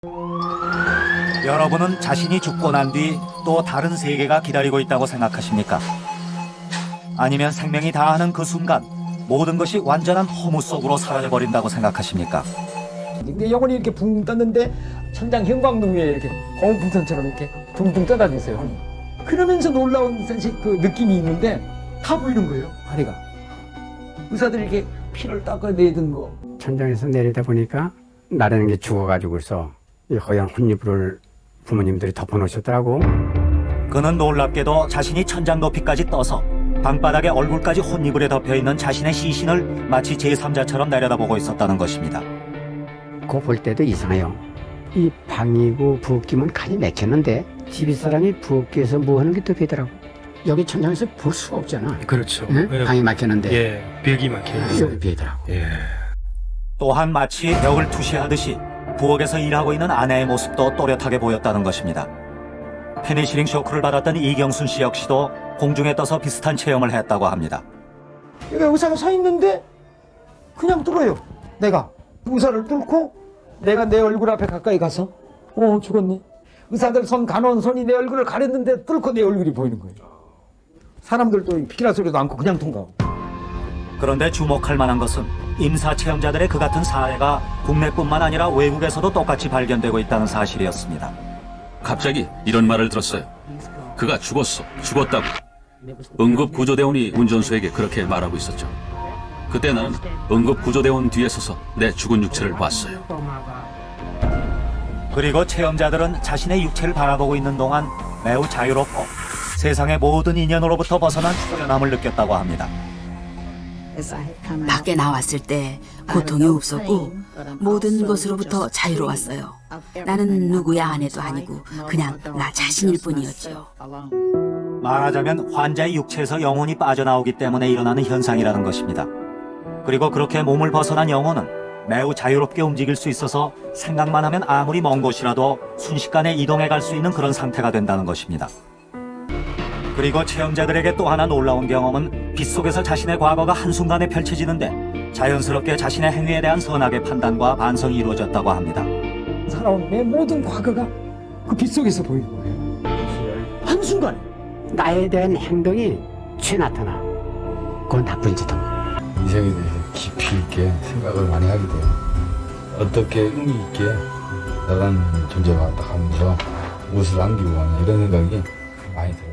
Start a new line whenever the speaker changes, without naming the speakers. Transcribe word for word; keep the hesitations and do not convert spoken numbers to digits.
여러분은 자신이 죽고 난 뒤 또 다른 세계가 기다리고 있다고 생각하십니까? 아니면 생명이 다하는 그 순간 모든 것이 완전한 허무 속으로 사라져버린다고 생각하십니까?
근데 영혼이 이렇게 붕 떴는데 천장 형광등 위에 이렇게 거울풍선처럼 이렇게 둥둥 떠다니고 있어요. 그러면서 놀라운 사실 그 느낌이 있는데 다 보이는 거예요. 아내가 의사들이 이렇게 피를 닦아내던 거.
천장에서 내리다 보니까 나라는 게 죽어가지고서 이 허연 혼이불을 부모님들이 덮어놓으셨더라고.
그는 놀랍게도 자신이 천장 높이까지 떠서 방바닥에 얼굴까지 혼이불에 덮여있는 자신의 시신을 마치 제삼자처럼 내려다보고 있었다는 것입니다.
그거 볼 때도 이상해요. 이 방이고 부엌이면 칸이 막혔는데 집이사람이 부엌에서 뭐 하는 게 또 되더라고. 여기 천장에서 볼 수가 없잖아.
그렇죠.
응?
예.
방이 막혔는데
예, 벽이 막혀요.
여기 비더라고.
예.
또한 마치 벽을 투시하듯이 부엌에서 일하고 있는 아내의 모습도 또렷하게 보였다는 것입니다. 페니실링 쇼크를 받았던 이경순 씨 역시도 공중에 떠서 비슷한 체험을 했다고 합니다.
여기 의사가 서 있는데 그냥 뚫어요. 내가 의사를 뚫고 내가 내 얼굴 앞에 가까이 가서 어 죽었네. 의사들 손 간호원 손이 내 얼굴을 가렸는데 뚫고 내 얼굴이 보이는 거예요. 사람들도 피키라 소리도 않고 그냥 통과하고.
그런데 주목할 만한 것은 임사 체험자들의 그 같은 사례가 국내뿐만 아니라 외국에서도 똑같이 발견되고 있다는 사실이었습니다.
갑자기 이런 말을 들었어요. 그가 죽었어, 죽었다고. 응급구조대원이 운전수에게 그렇게 말하고 있었죠. 그때 나는 응급구조대원 뒤에 서서 내 죽은 육체를 봤어요.
그리고 체험자들은 자신의 육체를 바라보고 있는 동안 매우 자유롭고 세상의 모든 인연으로부터 벗어난 후련함을 느꼈다고 합니다.
밖에 나왔을 때 고통이 없었고 모든 것으로부터 자유로웠어요. 나는 누구의 아내도 아니고 그냥 나 자신일 뿐이었죠.
말하자면 환자의 육체에서 영혼이 빠져나오기 때문에 일어나는 현상이라는 것입니다. 그리고 그렇게 몸을 벗어난 영혼은 매우 자유롭게 움직일 수 있어서 생각만 하면 아무리 먼 곳이라도 순식간에 이동해 갈 수 있는 그런 상태가 된다는 것입니다. 그리고 체험자들에게 또 하나 놀라운 경험은 빗속에서 자신의 과거가 한순간에 펼쳐지는데 자연스럽게 자신의 행위에 대한 선악의 판단과 반성이 이루어졌다고 합니다.
살아온 내 모든 과거가 그 빗속에서 보이는 거예요. 한순간에.
나에 대한 행동이 죄 나타나. 그건 나쁜 짓이다.
인생에 대해서 깊이 있게 생각을 많이 하게 돼요. 어떻게 의미 있게 나라는 존재가 딱 하면서 무엇을 남기고 가냐 이런 생각이 많이 들어요.